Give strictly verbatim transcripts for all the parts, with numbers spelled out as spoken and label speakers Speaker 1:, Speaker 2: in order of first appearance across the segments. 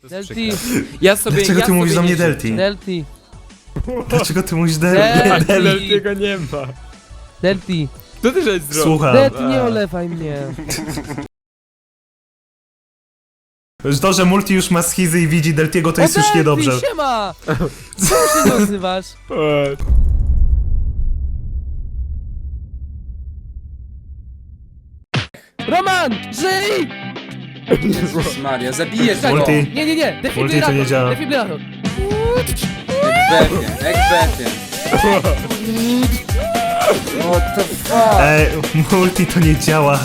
Speaker 1: Delty. Ja sobie,
Speaker 2: Dlaczego
Speaker 1: ja
Speaker 2: ty mówisz
Speaker 1: sobie
Speaker 2: do mnie
Speaker 1: nie-
Speaker 2: Delty?
Speaker 1: Delty.
Speaker 2: Dlaczego ty mówisz
Speaker 1: Delty.
Speaker 2: Delty?
Speaker 3: Deltiego nie ma.
Speaker 1: Delty.
Speaker 3: Co ty żeś zrobił?
Speaker 2: Słucham.
Speaker 1: Delty, nie olewaj mnie.
Speaker 2: To, że Multi już ma schizy i widzi Deltiego, to jest
Speaker 1: O,
Speaker 2: już
Speaker 1: Delty,
Speaker 2: niedobrze.
Speaker 1: siema! Co się nazywasz?
Speaker 3: Eee,
Speaker 1: Roman! Żyj!
Speaker 4: Jezus Maria, zabijesz go!
Speaker 2: Multi.
Speaker 4: Jak
Speaker 1: Nie, nie, nie, defibrylator,
Speaker 2: nie działa.
Speaker 1: defibrylator.
Speaker 4: pewien, jak pewien. What the fuck?
Speaker 2: Ej, Multi to nie działa.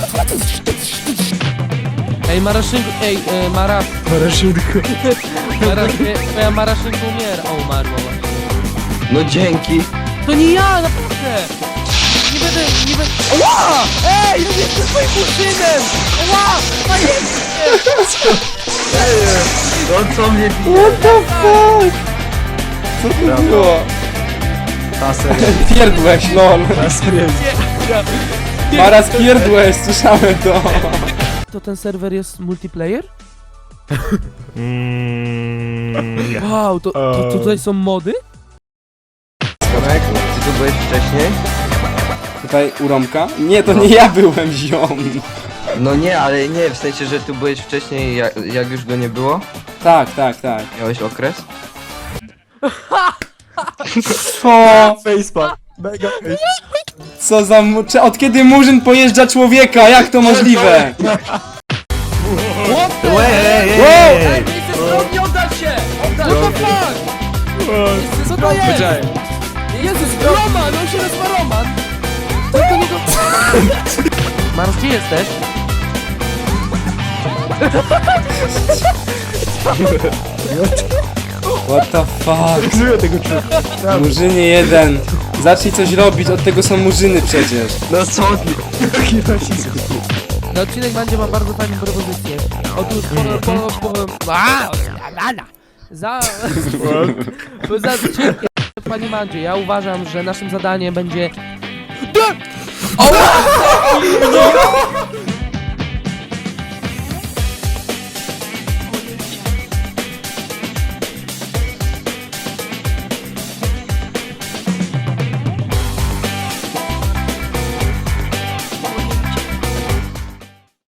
Speaker 1: Ej, Maraszynku, ej, e, Mara...
Speaker 3: Paraszutko.
Speaker 1: Mara, e, twoja Maraszynka umiera. O, umarła właśnie.
Speaker 5: No dzięki.
Speaker 1: To nie ja, naprawdę! Nie będę, nie będę... Ła! Ej, ja nie jestem twoim muszynem! Ła! Panie!
Speaker 5: No co mnie bije?
Speaker 4: What the fuck? Co to było?
Speaker 5: Ta serio.
Speaker 4: Pierdłeś, lol.
Speaker 3: Na serio.
Speaker 4: Maraz pierdłeś, słyszałem to.
Speaker 1: To ten serwer jest multiplayer?
Speaker 2: Mm, nie.
Speaker 1: Wow, to, to, to tutaj są mody?
Speaker 5: Tomek, ty tu byłeś wcześniej?
Speaker 4: Tutaj u Romka? Nie, to nie ja byłem ziom.
Speaker 5: No nie, ale nie, w sensie, że tu byłeś wcześniej, jak, jak już go nie było?
Speaker 4: Tak, tak, tak.
Speaker 5: Miałeś okres?
Speaker 4: Co?
Speaker 3: Facepack. Mega face.
Speaker 4: Co za... mu- Cze- Od kiedy Murzyn pojeżdża człowieka? Jak to możliwe?
Speaker 1: What the
Speaker 2: Ej, ej, ej,
Speaker 4: Wow!
Speaker 2: ej.
Speaker 1: Ej, nie chcę zrobić, oddać się! Oddać What the fuck? Co to jest?
Speaker 3: Powiedziałem.
Speaker 1: Jezus, Roman, on się nazywa Roman! Co to niego... Mars, gdzie jesteś?
Speaker 4: What the fuck?
Speaker 3: Żyję tego człowieka.
Speaker 4: Murzynie jeden. Zacznij coś robić, od tego są murzyny przecież.
Speaker 5: No co ty?
Speaker 3: Jaki nacisk.
Speaker 1: Na odcinek będzie ma bardzo fajną propozycję. Otóż po... po, po a, za... Bo za odcinkiem, Panie Mandzie, ja uważam, że naszym zadaniem będzie... O!